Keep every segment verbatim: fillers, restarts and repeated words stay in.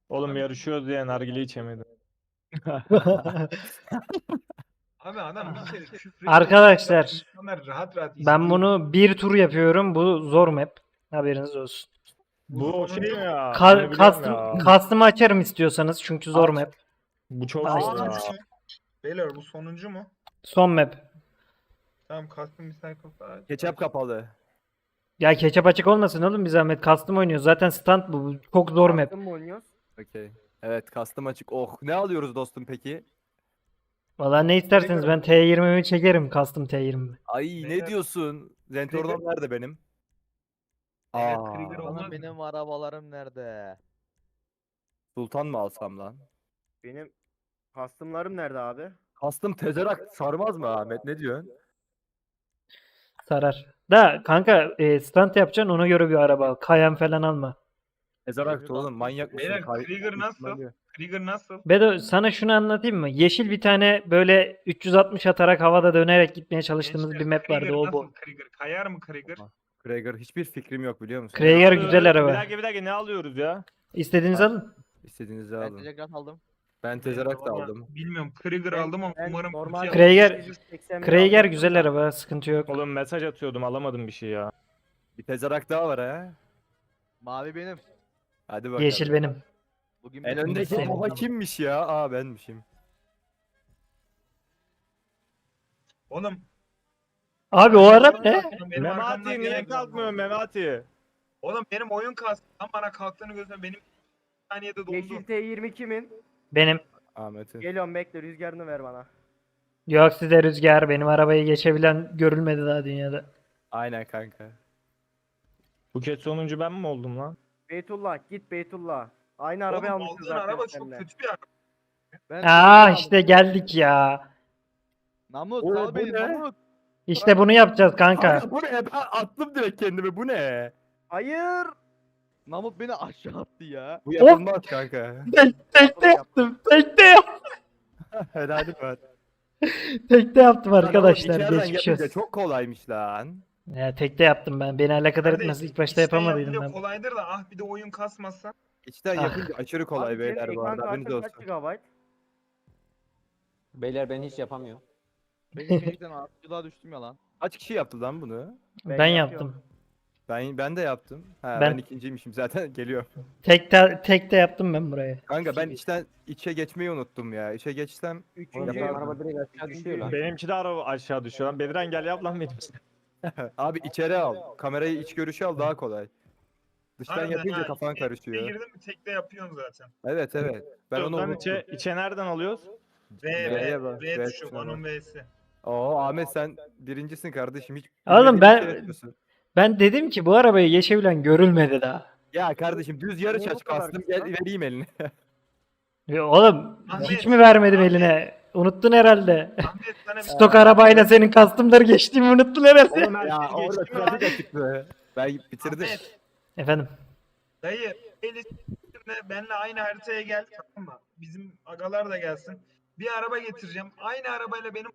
Oğlum yarışıyoruz diye nargile içemedim. Abi adam bir kere küfür Arkadaşlar, insanlar rahat rahat ben izliyor. bunu bir tur yapıyorum. Bu zor map. Haberiniz olsun. Bu o şey mi ya? Ka Bunu biliyorum custom, ya. custom'ı açarım istiyorsanız çünkü zor Aç. map. Bu çok Aa, zor işte. ya. Beyler bu sonuncu mu? Son map. Tamam custom cycle falan. Ketçap kapalı. Ya ketçap açık olmasın oğlum, bir zahmet. Custom oynuyoruz. Zaten stand bu. Bu çok zor map. Custom mı oynuyoruz? Okey. Evet, custom açık. Oh, ne alıyoruz dostum peki? Valla ne isterseniz, ben T yirmimi çekerim. Custom T yirmi. Ay Beyler- ne diyorsun? Zentornam nerede benim? Evet, Aa, Krieger olmaz Oğlum mı? benim arabalarım nerede? Sultan mı alsam lan? Benim custom'larım nerede abi? Custom tezerak sarmaz mı Ahmet? Ne diyorsun? Sarar. Da kanka, e, stand yapacaksın, ona göre bir araba al. Kayan falan alma. Tezerak oğlum manyak mısın? Beyler Kay- Krieger nasıl? İhtimali- Krieger nasıl? Bedo, sana şunu anlatayım mı? Yeşil bir tane böyle üç yüz altmış atarak havada dönerek gitmeye çalıştığımız Gençler, bir map vardı, Krieger o nasıl bu. Krieger? Kayar mı Krieger? Krieger hiçbir fikrim yok biliyor musun? Krieger Ne alıyoruz? güzel araba. Bir dakika bir dakika ne alıyoruz ya? İstediğinizi Ha. alın. İstediğinizi Ben alın. telegrat aldım. Ben tezerak da Vallahi aldım. Bilmiyorum Krieger Ben- aldım ama ben umarım normal Krieger- Krieger- sekiz yüz seksen bir Krieger aldım güzel da. araba, sıkıntı yok. Oğlum mesaj atıyordum alamadım bir şey ya. Bir tezerak daha var ha. Mavi benim. Hadi bakalım. Yeşil benim. Bugün En bir- öndeki Senin. baba kimmiş ya? Aa benmişim. Oğlum Abi o araba ne? benim arkamdan Memati niye gelen- kalkmıyor Memati? Oğlum benim oyun kastı. Tam bana kalktığını gözle benim bir saniyede dondu. Yeşil T yirmi kimin? Benim. Ahmet'in. Geliyorum bekle, rüzgarını ver bana. Yok size rüzgar, benim arabayı geçebilen görülmedi daha dünyada. Aynen kanka. Bu kez sonuncu ben mi oldum lan? Beytullah git Beytullah. Aynı arabayı Oğlum almışız aldığın zaten araba çok seninle. kötü bir araba. Ben Aa telegrat işte aldım. geldik ya. Namut Oo, sal bu beni ne? Namut. İşte bunu yapacağız kanka. Kanka bu ne? Ben attım direkt kendimi. Bu ne? Hayır. Namut beni aşağı attı ya. Bu yapılmaz kanka. Tek, tekte yaptım. Tekte yaptım. Helalim var. Tekte yaptım Lan oğlum, arkadaşlar. içeriden Geçmiş yapınca olsun. çok kolaymış lan. Ya tekte yaptım ben. Beni alakadar Kardeş, etmez. İlk başta içten yapamadıydım yapınca ben. kolaydır da ah bir de oyun kasmazsa. İçten Ah. yapınca aşırı kolay Abi senin beyler bu ekran arada. Haberiniz kartın kaç olsun. gigabayt? Beyler ben hiç yapamıyorum. Benim şeyden atçılığa düştüm ya lan. Kaç kişi yaptı lan bunu? Ben, Ben yaptım. yapıyorum. Ben ben de yaptım. Ha, ben, Ben- ikinciymişim zaten geliyor. Tekte, tekte yaptım ben burayı. Kanka ben içten içe geçmeyi unuttum ya. İçe geçsem Oğlum Üçüncü. benim araba direkt aşağı düşüyor lan. Benimki de araba aşağı düşüyor lan. Bediren gel yap lan benim. abi içeri al. Kamerayı iç görüşü al daha kolay. Dıştan Harbiden yapınca ha, kafan içe- karışıyor. içe girdin mi tekte yapıyorsun zaten. Evet evet. Ben onu Lan unuttum. içe, içe nereden alıyoruz? V, V'ye V, bak, V V tuşu, tuşuna onun bak. V'si. Oo Ahmet sen birincisin kardeşim. Hiç Oğlum bilmediğin ben- bir şey yapıyorsun. Ben dedim ki bu arabayı geçebilen görülmedi daha. Ya kardeşim düz yarış Niye bu aç kadar kastım kısa? gel vereyim eline. Ya oğlum Ahmet, hiç mi vermedim Ahmet. eline? Unuttun herhalde. Ahmet sana bir Stok arabayla senin custom'ları geçtiğimi unuttun herhalde. Oğlum her ya şey orada geçti mi lan? trafik açıktı. Ben bitirdim. Ahmet, Efendim. dayı elisine benle aynı haritaya gel tamam mı? Bizim agalar da gelsin. Bir araba getireceğim. Aynı arabayla benim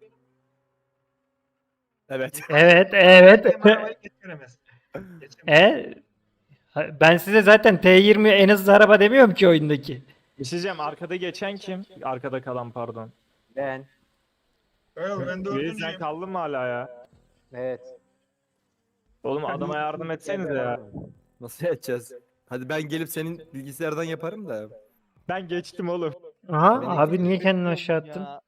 Evet. Evet, evet. benim arabayı getiremez. Geçemez. e ha- ben size zaten T yirmi en hızlı araba demiyorum ki oyundaki. Bir şey diyeceğim, arkada geçen kim? Arkada kalan pardon. Ben. Öyle ben Reis sen dördüncüyüm. kaldın mı hala ya? Evet. Oğlum adama yardım etsenize ya. Nasıl edeceğiz? Hadi ben gelip senin bilgisayardan yaparım da. Ben geçtim oğlum. Aha Ben abi ikinci niye kendini bekliyorum aşağı attın? ya.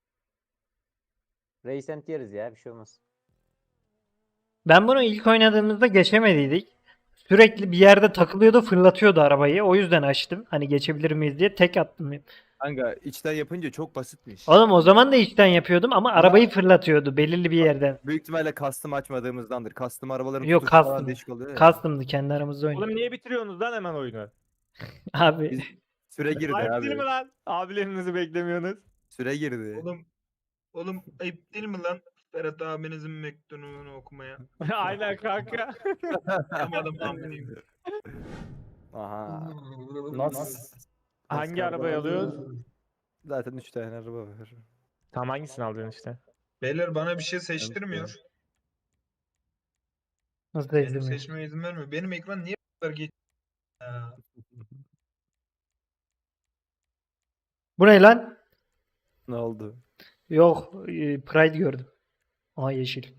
Reisent yeriz ya bir şey olmaz. Ben bunu ilk oynadığımızda geçemediydik. Sürekli bir yerde takılıyordu, fırlatıyordu arabayı. O yüzden açtım. Hani geçebilir miyiz diye tek attım. Kanka içten yapınca çok basitmiş. Oğlum o zaman da içten yapıyordum ama arabayı fırlatıyordu belirli bir yerden. Büyük ihtimalle custom açmadığımızdandır. Custom arabaların Yok, tutuşu falan custom. değişik oluyor ya. Custom'dı, kendi aramızda oynadık. Oğlum niye bitiriyorsunuz lan hemen oyunu? Abi Biz- Süre girdi Ayıp abi. değil mi lan? Abilerinizi beklemiyorsunuz. Süre girdi. Oğlum oğlum ayıp değil mi lan? Ferhat abinizin mektubunu okumaya. Aynen kanka. Yapamadım lan benim. Aha. Nasıl? Hangi arabayı alıyoruz? Zaten üç tane araba var. Tam hangisini alacaksın işte? Beyler bana bir şey seçtirmiyor. nasıl Benim izlemiyor? seçmeme izin vermiyor. Benim ekran niye bu kadar geç? Ya. Bu ne lan? Ne oldu? Yok, e, Pride gördüm. Aa yeşil.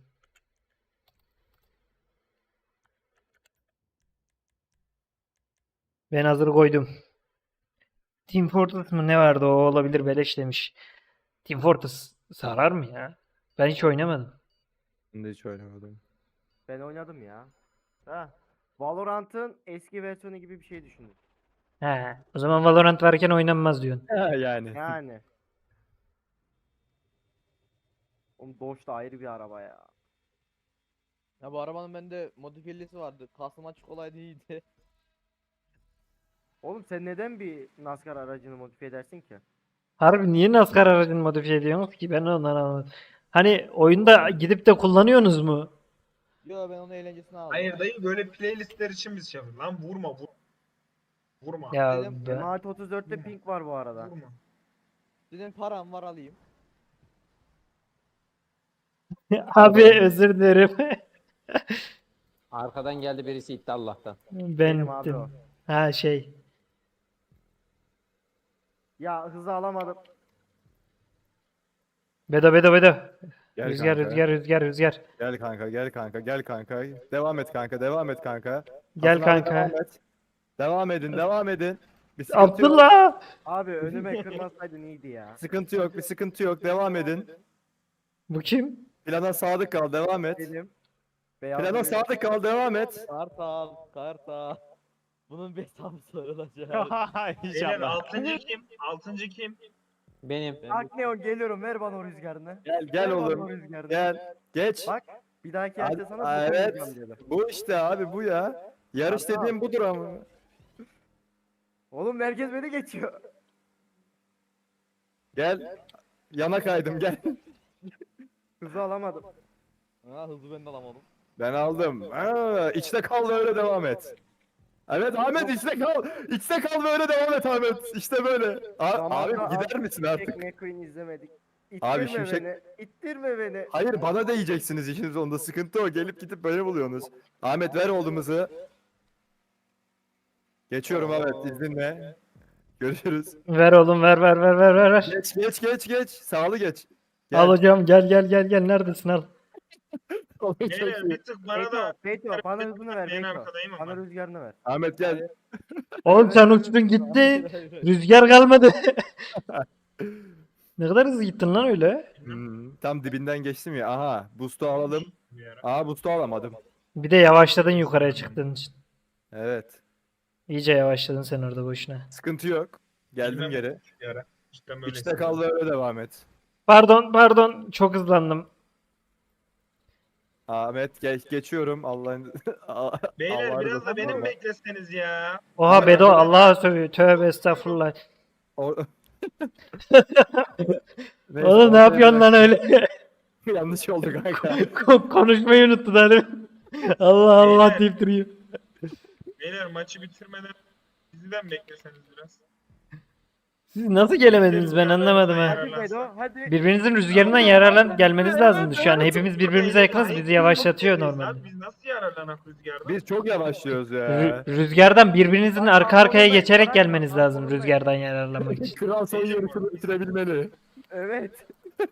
Ben hazır koydum. Team Fortress mı ne vardı o olabilir beleş demiş. Team Fortress sarar mı ya? Ben hiç oynamadım. Ben de hiç oynamadım. Ben oynadım ya. Ha. Valorant'ın eski versiyonu gibi bir şey düşündüm. He, o zaman Valorant varken oynanmaz diyorsun. Ha, yani. Yani. Oğlum Dodge da ayrı bir araba ya. Ya bu arabanın bende modifiyelisi vardı. Kasım açık olaydı iyiydi. Oğlum sen neden bir NASCAR aracını modifiye edersin ki? Harbi niye NASCAR aracını modifiye ediyorsunuz ki? Ben ondan anlamadım. Hani oyunda gidip de kullanıyorsunuz mu? Yo ben onun eğlencesini aldım. Hayır dayı böyle playlistler için biz şey yapıyoruz. Lan vurma vur. Vurma. Ya Dedim, ben- M otuz dörtte pink var bu arada. Vurma. Dedim param var alayım. Abi özür dilerim. Arkadan geldi birisi itti Allah'tan. Ben Benim abi gittim. o. Ha şey. Ya hızı alamadım. Bedo bedo bedo. Gel Rüzgar kanka. rüzgar rüzgar rüzgar. Gel kanka, gel kanka, gel kanka. Devam et kanka, devam et kanka. Gel Hasan abi kanka. Devam, et. devam edin, devam edin. Bir sıkıntı yok. Abdullah. Abi önüme kırmasaydın iyiydi ya. Sıkıntı yok, bir sıkıntı yok. Devam edin. Bu kim? Plana sadık kal, devam et. Benim. Beyaz Plana bir- sadık kal, devam et. Kartal, kartal. Bunun hesabı sorulacak. Hiç Beyler yapma. altıncı kim? Altıncı kim? Benim. Akneon geliyorum ver bana o rüzgarını. Gel, gel Ver bana oğlum. o rüzgarını. Gel, geç. Bak bir dahaki Hadi- hafta sana Aa, bu evet. evet. dedi. Bu işte abi bu ya. Yarış Tamam. dediğim budur ama. Oğlum merkez beni geçiyor. Gel. Yana kaydım gel. Hızı alamadım. Ha hızlı ben de alamadım. Ben aldım. Ha, içte kal ve öyle devam et. Evet Ahmet içte kal. İçte kal ve öyle devam et Ahmet. İşte böyle. A- abi Zamanla gider misin artık? Tek McQueen izlemedik. İttirme Abi Şimşek- beni. İttirme beni. Hayır bana değeceksiniz işin sonunda. Sıkıntı o. Gelip gidip böyle buluyorsunuz. Ahmet ver oğlumuzu. Geçiyorum Ahmet izninle. Görüşürüz. Ver oğlum ver ver ver ver ver ver. Geç geç geç geç. Sağlı geç. Gel. Al hocam gel gel gel gel neredesin al. Çok Beyler iyi. bir tık bana Beyto, da Beyto bana hızını ver ben Beyto. arkadayım Bana ama. rüzgarını ver. Ahmet gel. Oğlum sen uçtun gittin. Rüzgar kalmadı. Ne kadar hızlı gittin lan öyle. Hmm, tam dibinden geçtim ya. Aha boost'u alalım. Bir ara. Aha boost'u alamadım. Bir de yavaşladın yukarıya çıktığın için. Evet. İyice yavaşladın sen orada boşuna. Sıkıntı yok. Geldim Bilmem geri. bir ara. İşte böyle. İçte kal ve öyle devam et. Pardon pardon çok hızlandım. Ahmet geç geçiyorum Allah'ın Beyler Allah'ın biraz da rızası benim var. bekleseniz ya. Oha Bedo Allah'a sövüyor. Tövbe estağfurullah. O- Neyse, Oğlum ne ortaya yapıyorsun lan öyle? bırak. Yanlış oldu kanka. Kon- Konuşmayı unuttun hani. Allah Allah Beyler. deyip duruyor. Beyler maçı bitirmeden bizden bekleseniz biraz. Siz nasıl gelemediniz ben anlamadım ha. Hadi Beyto hadi. Birbirinizin rüzgarından yararlan gelmeniz lazımdı şu an. Hepimiz birbirimize yakınız bizi yavaşlatıyor normalde. Biz nasıl yararlanak rüzgardan? Biz çok yavaşlıyoruz ya. Rü- Rüzgardan birbirinizin arka arkaya geçerek gelmeniz lazım rüzgardan yararlanmak için. Kral son yarışını bitirebilmeli. Evet.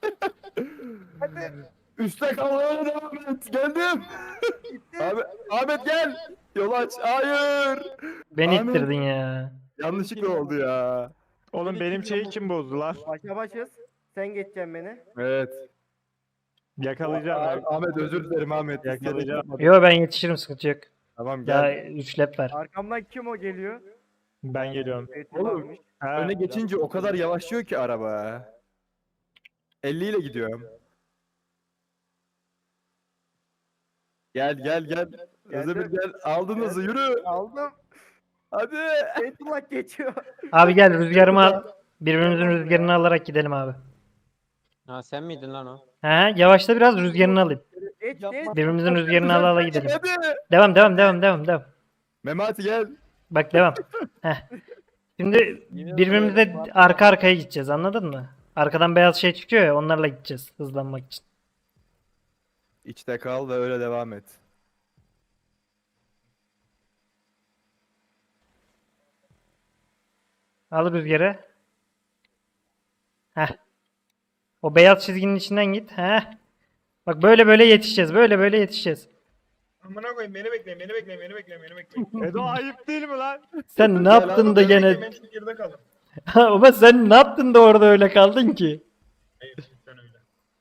Üste kalmaya devam et. Geldim. Abi, Ahmet gel. Yol aç. Hayır. Beni Ahmet. ittirdin ya. Yanlışlıkla oldu ya. Oğlum benim şeyi kim bozdu lan? Başa başız. Sen geçeceksin beni. Evet. Yakalayacağım Ah- abi. Ahmet özür dilerim Ahmet. Yakalayacağım. Yo ben yetişirim sıkıntı yok. Tamam Daha gel. üç lap var. Arkamdan kim o geliyor? Ben geliyorum. Beytullah Oğlum. varmış. Ha, Öne geçince o kadar yavaşlıyor ki araba. elli ile gidiyorum. Gel gel gel. Özdemir gel. Aldın hızı yürü. Aldım. Hadi. Beytullah geçiyor. Abi gel rüzgarımı al. Birbirimizin rüzgarını alarak gidelim abi. Ha sen miydin lan o? He yavaşla biraz rüzgarını alayım. Geç Yapma. geç. Birbirimizin rüzgarını ala ala gidelim. Hadi. Devam devam devam devam devam. Memati gel. Bak devam. Heh. Şimdi birbirimize arka arkaya gideceğiz anladın mı? Arkadan beyaz şey çıkıyor ya onlarla gideceğiz hızlanmak için. İçte kal ve öyle devam et. Al rüzgarı. Heh. O beyaz çizginin içinden git. Heh. Bak böyle böyle yetişeceğiz. Böyle böyle yetişeceğiz. Amına koyayım beni bekle, beni bekle, beni bekle, beni bekle. Edo ayıp değil mi lan? Sen ne yaptın da Beni bekle, gene... ben çekirde kaldım. Ama sen ne yaptın da orada öyle kaldın ki? Hayır, sen öyle.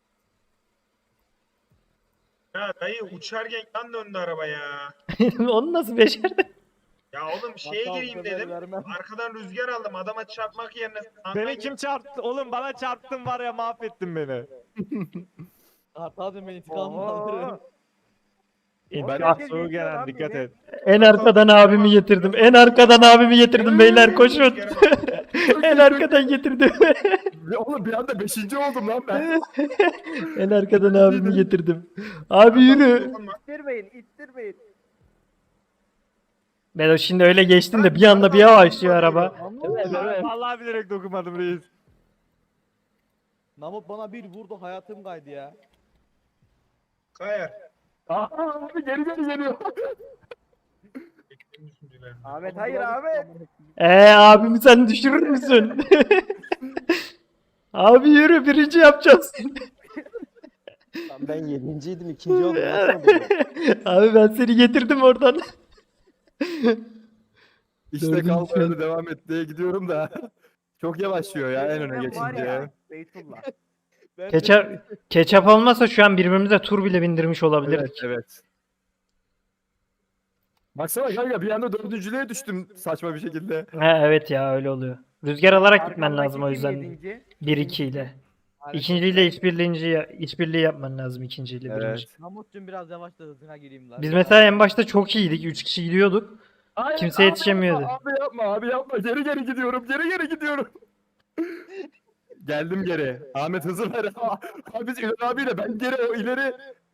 Ya dayı uçarken yan döndü araba ya. Onu nasıl becerdin? Ya oğlum şeye Bakkal gireyim bu sefer dedim. vermem. Arkadan rüzgar aldım. Adama çarpmak yerine. Beni kim çarptı? Oğlum bana çarptın var ya mahvettin beni. Artadım ben intikamımı alırım. Oo. Ben Oğlum, de herkes soğuk geçiyor gelen lan dikkat beni. et. En arkadan abimi getirdim. En arkadan abimi getirdim beyler koşun. En arkadan getirdim. Oğlum bir anda beşinci oldum lan ben. En arkadan abimi getirdim. Abi yürü. İttirmeyin, ittirmeyin. Ben o şimdi öyle geçtim de bir anda bir yavaşlıyor araba. Evet, evet. Vallahi bilerek dokunmadım reis. Namut bana bir vurdu hayatım kaydı ya. Kayar. Aa, abi geri geri geliyor. Ahmet hayır Ahmet. Eee abimi sen düşürür müsün? Abi yürü birinci yapacağız seni. Lan ben yedinciydim, ikinci oldum. Nasıl oldu bu? Abi ben seni getirdim oradan. İşte Dördüncü kal şey. böyle devam et diye gidiyorum da. Çok yavaşlıyor ya en öne Beytullah var geçince. ya, Beytullah. Ben Ketçap, ketçap olmasa şu an birbirimize tur bile bindirmiş Evet olabilirdik. evet. Baksana kanka bir anda dördüncülüğe düştüm saçma bir şekilde. Ha, evet ya öyle oluyor. Rüzgar alarak gitmen Arkamdaki lazım o kim yüzden. yedinci? bir iki ile. Harika. İkinciyle işbirliğinci işbirliği yapman lazım ikinciyle birinci. Evet. Namut'cum biraz yavaş da hızına gireyim lan. Biz mesela en başta çok iyiydik. Üç kişi gidiyorduk. Hayır, Kimse abi yetişemiyordu. Yapma, abi yapma abi yapma geri geri gidiyorum geri geri gidiyorum. Geldim geri. Ahmet hızı ver. Abi biz İlhan abiyle ben geri o ileri.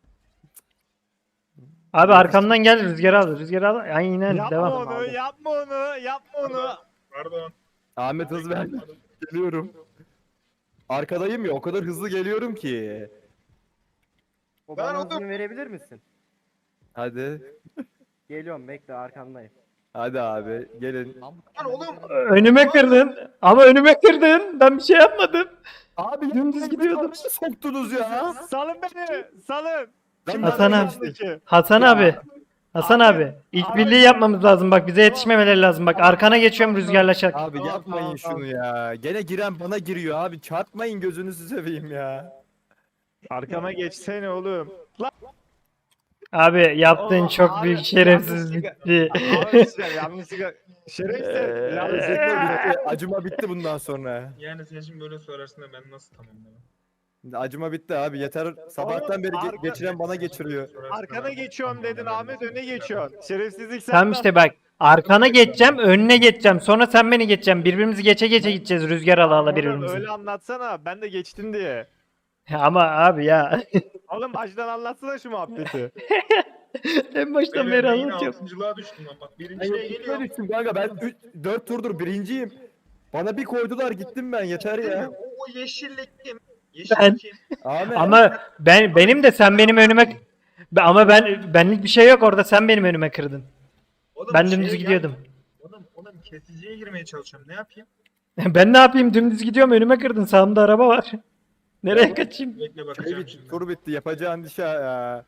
Abi arkamdan gel Rüzgar al. Rüzgar al. Aynen Yapma devam. onu, yapma onu, yapma onu. Pardon. Ahmet hız ver. Geliyorum. Arkadayım ya o kadar hızlı geliyorum ki. O Ben bana oldum. hızını verebilir misin? Hadi. Geliyorum bekle arkandayım. Hadi abi gelin. Namut Lan oğlum. Önüme kırdın. Ama önüme kırdın. Ben bir şey yapmadım. Abi Dümdüz gidiyordum. Nasıl soktunuz ya? Salın beni, salın. Lan Hasan ben- abi. Hasan abi. Hasan abi. İlk birliği yapmamız lazım. Bak bize yetişmemeleri lazım. Bak arkana geçiyorum Rüzgar'la çak. Abi Tamam, yapmayın tamam, tamam. şunu ya. Gene giren bana giriyor abi. Çarpmayın gözünüzü seveyim ya. Arkama geçsene oğlum. Lan. Abi yaptığın Oğlum, çok abi, büyük şerefsizlikti. Abi işte yanlışlıkla. Şerefsiz. Ee, yanlışlıkla. Bitti, Acıma bitti bundan sonra. Yani sen şimdi böyle söylersin de ben nasıl tamamlamam? Acıma bitti abi yeter. Sabahtan beri ge- arka- geçiren bana geçiriyor. Arkana geçiyorum dedin Ahmet, öne geçiyorsun. Şerefsizlik sen. Tamam işte bak. Arkana geçeceğim, önüne geçeceğim. Sonra sen beni geçeceksin. Birbirimizi geçe geçe gideceğiz Rüzgar ala ala birbirimizi. Öyle anlatsana, ben de geçtin diye. Ama abi ya. Oğlum baştan anlatsana şu muhabbeti. En baştan Beyler, beri ben yine anlatıyorum. altıncılığa düştüm lan bak. Ben Birinciye geliyorum. düştüm kanka ben dört turdur birinciyim. Bana bir koydular gittim ben yeter ya. O, o yeşillik kim? Yeşillik Ben- kim? Ahmet. Ama ben benim de sen benim önüme Be- ama ben benlik bir şey yok orada sen benim önüme kırdın. Oğlum, Ben şeye dümdüz gel- gidiyordum. Oğlum, oğlum kesiciye girmeye çalışıyorum. Ne yapayım? Ben ne yapayım dümdüz gidiyorum önüme kırdın sağımda araba var. Nereye kaçayım? Bekle Şey bakacağım bitti, şimdi. tur bitti yapacağın iş ya.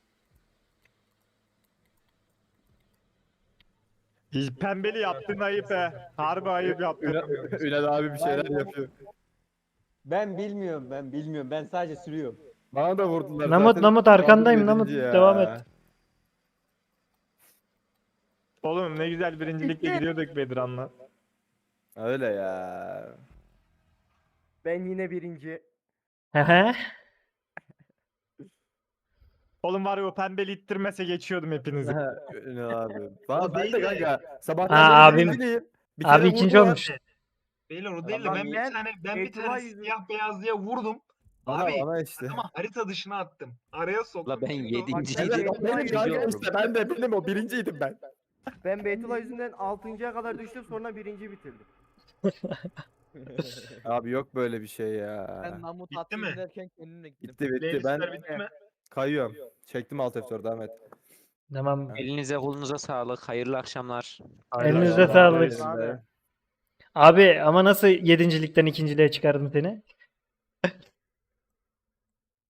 Pembeli yaptın ayıp he. Harbi ayıp yaptın. Ünal, Ünal abi bir şeyler yapıyor. Ben bilmiyorum, ben bilmiyorum. Ben sadece sürüyorum. Bana da vurdular Namut, zaten. Namut, arkandayım, Aldım Namut. yedinci ya. Devam et. Oğlum ne güzel birincilikle gidiyorduk Bedirhan'la. Öyle ya. Ben yine birinci. Hı. Oğlum var ya o pembeli ittirmese geçiyordum hepinizi. Ünal abi. Valla O ben değil de de. kanka. Sabahtan Ha, beri abim- birinciyim. Bir Abi kere ikinci vurdular. olmuş. Beyler o değil de Adam ben bir ben- tane ben bir Beytullah tane yüzünden- siyah beyaz diye vurdum. Bana, Abi bana işte. ama harita dışına attım. Araya soktum. La ben Şimdi o- yedinciydim. Bak, Evet, o benim Beytullah kanka yüzünden- işte ben de benim o birinciydim ben. Ben Beytullah yüzünden altıncıya kadar düştüm sonra birinci bitirdim. Abi yok böyle bir şey ya. Ben Namut Bitti atayım mi? derken kendimle gittim. Bitti bitti ben Playlistler bitti mi? kayıyorum. Çektim alt F dört Ahmet. Tamam. Elinize kolunuza sağlık. Hayırlı akşamlar. Elinize Eyvallah, sağlık. eyvallah. Abi ama nasıl yedincilikten ikinciliğe çıkardım seni?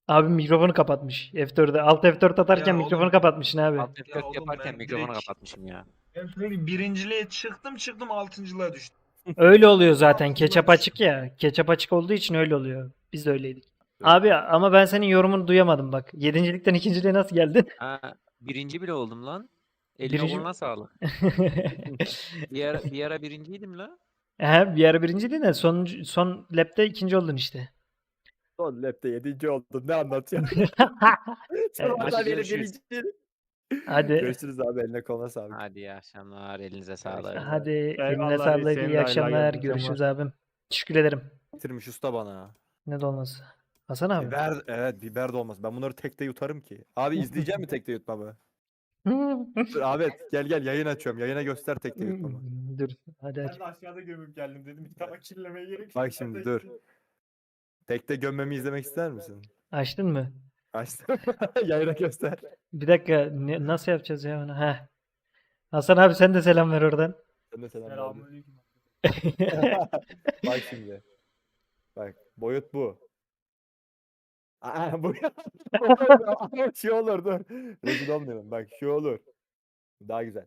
Abi mikrofonu kapatmış. F dörtte. Alt F dört atarken Ya mikrofonu oğlum. kapatmışsın abi. Alt F Ya dört oğlum yaparken ben mikrofonu direkt- kapatmışım ya. Ben sürekli birinciliğe çıktım çıktım altıncılığa düştüm. Öyle oluyor zaten. Altından Ketçap düştüm. açık ya. Ketçap açık olduğu için öyle oluyor. Biz de öyleydik. Abi ama ben senin yorumunu duyamadım bak. Yedincilikten ikinciliğe nasıl geldin? Ha, birinci bile oldum lan. Eline Birinci- koluna sağlık. Bir ara, bir ara birinciydim la. He, bir ara birinciydin de son, son lapte ikinci oldun işte. Son lapte yedinci oldum. Ne anlatıyorsun? Evet, Sabahtan beri görüşürüz. birinci. Hadi. Görüşürüz abi, eline koluna sağlık. Hadi iyi akşamlar. Elinize sağlık. Hadi eline Eyvallah, sağlık. senin de İyi hayırlı akşamlar. akşamlar. Görüşürüz abim. Teşekkür ederim. Getirmiş usta bana. Ne dolması. Hasan abi. Biber, evet biber de olmaz. Ben bunları tekte yutarım ki. Abi izleyecek mi tekte yutmamı? Dur Ahmet gel gel yayın açıyorum. Yayına göster tekte yutmamı. Dur. Hadi aç. de aşağıda gömüp geldim dedim. Bir tabak kirlemeye gerek Bak şimdi dur. Tekte gömmemi izlemek ister misin? Açtın mı? Açtım. Yayına göster. Bir dakika. ne- nasıl yapacağız ya onu? Heh. Hasan abi sen de selam ver oradan. Sen de selam ver. Selamünaleyküm. Bak şimdi. Bak boyut bu. Aa, bu Ama şu olur dur. Rezil olmayalım. Bak şu olur. Daha güzel.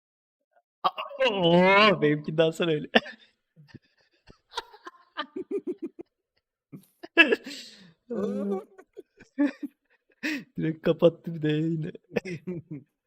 Oo, benimki daha sonra öyle. Direkt kapattı bir de yayını.